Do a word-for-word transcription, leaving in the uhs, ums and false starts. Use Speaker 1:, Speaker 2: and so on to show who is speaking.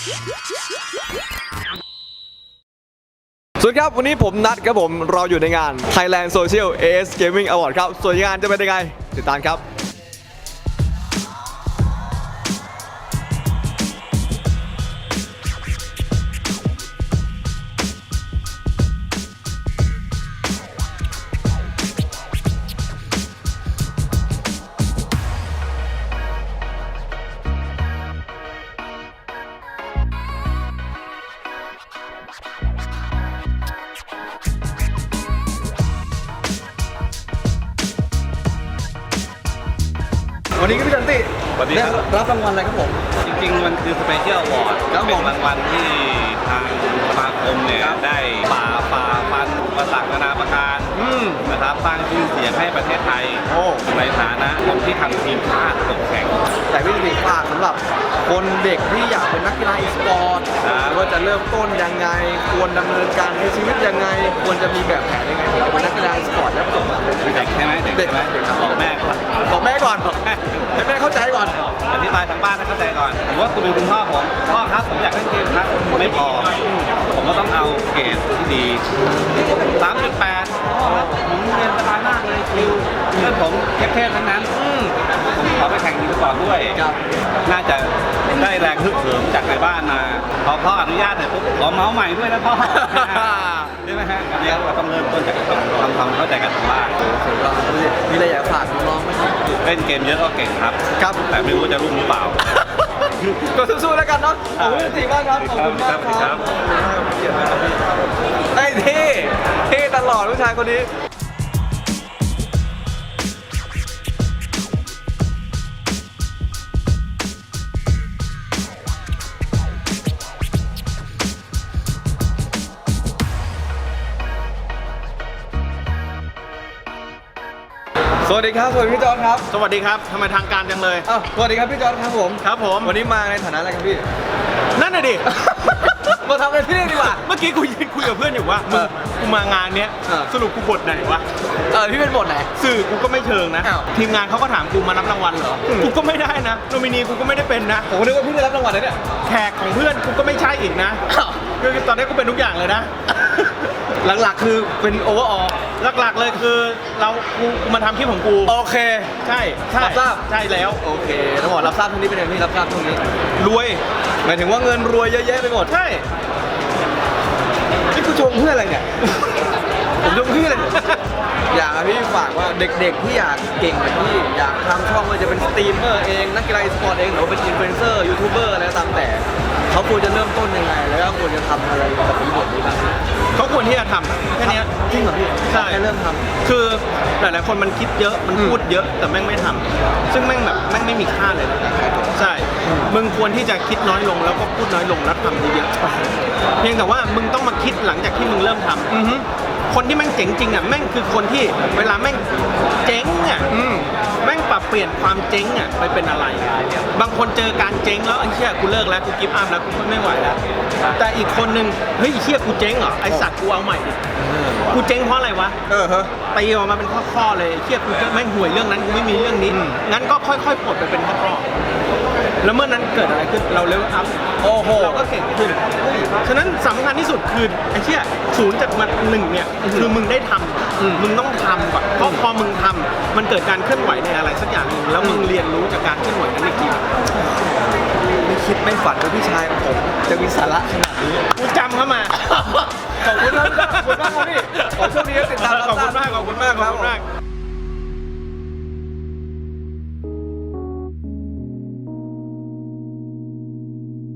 Speaker 1: สวัสดีครับวันนี้ผมนัดครับผมเราอยู่ในงาน Thailand Social เอ เอส Gaming Award ครับส่วนงานจะเป็นยังไงติดตามครับวันนี้ก็พี่จันติ
Speaker 2: สวัสดีครับ
Speaker 1: ได้รับรางวัลอะไรครับผม
Speaker 2: จริงๆมันคือสเปเชียลอวอร์ด
Speaker 1: ครับผม
Speaker 2: เป็นรางวัลที่ทางสมาคมเนี่ยได้ฝ่าฝ่าฟันอุปสรรคนานาประการ
Speaker 1: อืม
Speaker 2: นะครับสร้างชื่อเสียงให้ประเทศไทย
Speaker 1: โอ้
Speaker 2: ในฐานะคนที่ทำทีมชาติตกแข่ง
Speaker 1: แต่พี่จันติฝากสำหรับคนเด็กที่อยากเป็นนักกีฬาอีสปอร์ต
Speaker 2: ครับ
Speaker 1: ว่าจะเริ่มต้นยังไงควรดำเนินการในชีวิตยังไงควรจะมีแบบแผนยังไงที่จะเป็นนักกีฬาอีสปอร์ตและประสบความสำเร็จ
Speaker 2: เด็กใช่ไหมเด็ก
Speaker 1: เด็ก
Speaker 2: ใช่ไหม
Speaker 1: เด็กครับ
Speaker 2: บอกแม่ก่อน
Speaker 1: บอกแม่ก่อนให้แม่เข้าใจก่อน
Speaker 2: อธิบายทางบ้านให้เข้าใจก่อนผมว่าคุณเป็นคุณพ่อผมพ่อครับผมอยากเล่นเกมครับไม่พอผมก็ต้องเอาเกรดที่ดี สามจุดแปด ผมเรียนสบายมากเลยคิวเพื่อนผมเทพๆทั้งนั้นอืมผมขอไปแข่งทีมก่อนด้วย
Speaker 1: ครับ
Speaker 2: น่าจะได้แรงฮึกเหิมจากในบ้านมาพอพ่ออนุญาตเสร็จปุ๊บขอเมาส์ใหม่ด้วยนะพ่อ ใช่ไหมฮะอันนี้เราต้องเริ่มต้นจากทำความเข้าใจกันทางบ้าน
Speaker 1: มีอะไรอยากฝากน้องๆไหมครับ
Speaker 2: เล่นเกมเยอะก็เก่งครับ
Speaker 1: ครับ
Speaker 2: แต่ไม่รู้จะรุ่งหรือเปล่า
Speaker 1: ก็สู้ๆแล้วกันเนาะขอบคุณจริงมากครับ ขอบคุณมากค
Speaker 2: ครั
Speaker 1: รับบ ไอ้เท่เท่ตลอดผู้ชายคนนี้สวัสดีครับ สวัสดีพี่จอร์จครับ
Speaker 2: สวัสดีครับทำไมทางการจังเลย
Speaker 1: อ้าวสวัสดีครับพี่จอร์จครับผม
Speaker 2: ครับผม
Speaker 1: วันนี้มาในฐานะอะไรครับพี่
Speaker 2: นั่นน่ะดิ
Speaker 1: มาทำอะไรที่นี่ดีกว่า
Speaker 2: เมื่อกี้กูยืนคุยกับเพื่อนอยู่ว่า
Speaker 1: เออ
Speaker 2: กูมางานเนี้ย
Speaker 1: เออ
Speaker 2: สรุปกูบทไหนวะ
Speaker 1: เออพี่เป็นบทไหน
Speaker 2: สื่อกูก็ไม่เชิงนะ
Speaker 1: อ้าว
Speaker 2: ทีมงานเขาก็ถามกูมารับรางวัลเหรอ
Speaker 1: อืม
Speaker 2: กูก็ไม่ได้นะโนมินีกูก็ไม่ได้เป็นนะ
Speaker 1: ผมก็นึกว่าพี่ได้รับรางวัลเลยเนี่ย
Speaker 2: แขกของเพื่อนกูก็ไม่ใช่อีกนะ
Speaker 1: อ้าว
Speaker 2: คือตอนนี้กูเป็นทุกอย่างเลยนะ
Speaker 1: หลักๆคือเป็นโอเวอร์ออล
Speaker 2: หลักๆเลยคือเรากูกูมาทำคลิปของกู
Speaker 1: โอเค
Speaker 2: ใช่ใช่
Speaker 1: รับทราบ
Speaker 2: ใช่แล้ว
Speaker 1: โอเคต้องบอกรับทราบตรงนี้เป็นยังไงพี่รับทราบตรงนี้
Speaker 2: รวย
Speaker 1: หมายถึงว่าเงินรวยเยอะแยะไปหมด
Speaker 2: ใช่
Speaker 1: นี่กูชมเพื่ออะไรเนี่ย ผมชมเพื่ออะไร อยากให้พี่ฝากว่าเด็กๆที่อยากเก่งแบบพี่อยากทำช่องว่าจะเป็นสตรีมเมอร์เองนักกีฬาอีสปอร์ตเองหรือว่าเป็นอินฟลูเอนเซอร์ยูทูบเบอร์อะไรก็ตามแต่เขาควรจะเริ่มต้นยังไงแล้วก็ควรจะทำอะไรกับอีบทนี้บ้าง
Speaker 2: เขาควรที่จะทำแค่เนี้ย
Speaker 1: จริงเหรอพี่
Speaker 2: ใช่
Speaker 1: แค่เริ่มท
Speaker 2: คือหลายๆคนมันคิดเยอะมัน
Speaker 1: อืม
Speaker 2: พูดเยอะแต่แม่งไม่ทำซึ่งแม่งแบบแม่งไม่มีค่าเลยนะใช่ มึงควรที่จะคิดน้อยลงแล้วก็พูดน้อยลงแล้วทำเยอะๆเพียงแต่ว่ามึงต้องมาคิดหลังจากที่มึงเริ่มทำ
Speaker 1: ำอือฮึ
Speaker 2: คนที่แม่งเจ๋งจริงอ่ะแม่งคือคนที่เวลาแม่งเจ๊งอ่ะ
Speaker 1: อืม
Speaker 2: แม่งปรับเปลี่ยนความเจ๊งอ่ะไปเป็นอะไร บางคนเจอการเจ๊งแล้วไอ้เชี่ยกูเลิกแล้วกูกิฟต์อัพแล้วกูไม่ไหวแล้วแต่อีกคนนึงเฮ้ยไอ้เชี่ยกูเจ๊งเหรอไอสัตว์กูเอาใหม่ดิกูเจ๊งเพราะอะไรวะ
Speaker 1: เออฮะ
Speaker 2: ตีออกมาเป็นข้อๆเลยไอ้เชี่ยกูจะแม่งห่วยเรื่องนั้นกูไม่มีเรื่องนี้
Speaker 1: อืม
Speaker 2: งั้นก็ค่อยๆปลดไปเป็นข้อๆแล้วเมื่อนั้นเกิดอะไรขึ้นเราเลเวลอัพ
Speaker 1: โอ้โห
Speaker 2: เราก็เก่งขึ้น ฉะนั้นสำคัญที่สุดคือไอ้เชี่ยศูนย์จากมันหนึ่งเนี่ยคือมึงได้ท
Speaker 1: อืม
Speaker 2: ำมึงต้องทำก่อนเพราะพอมึงทำมันเกิดการเคลื่อนไหวในอะไรสักอย่างหนึ่งแล้วมึงเรียนรู้จากการเคลื่อนไหวนั้นอีกที
Speaker 1: ไม่คิดไม่ฝันว่าพี่ชายของผมจะมีสาระขนาดนี้
Speaker 2: กูจำเข้ามา
Speaker 1: ขอบคุณครับขอบคุณมากครับพี่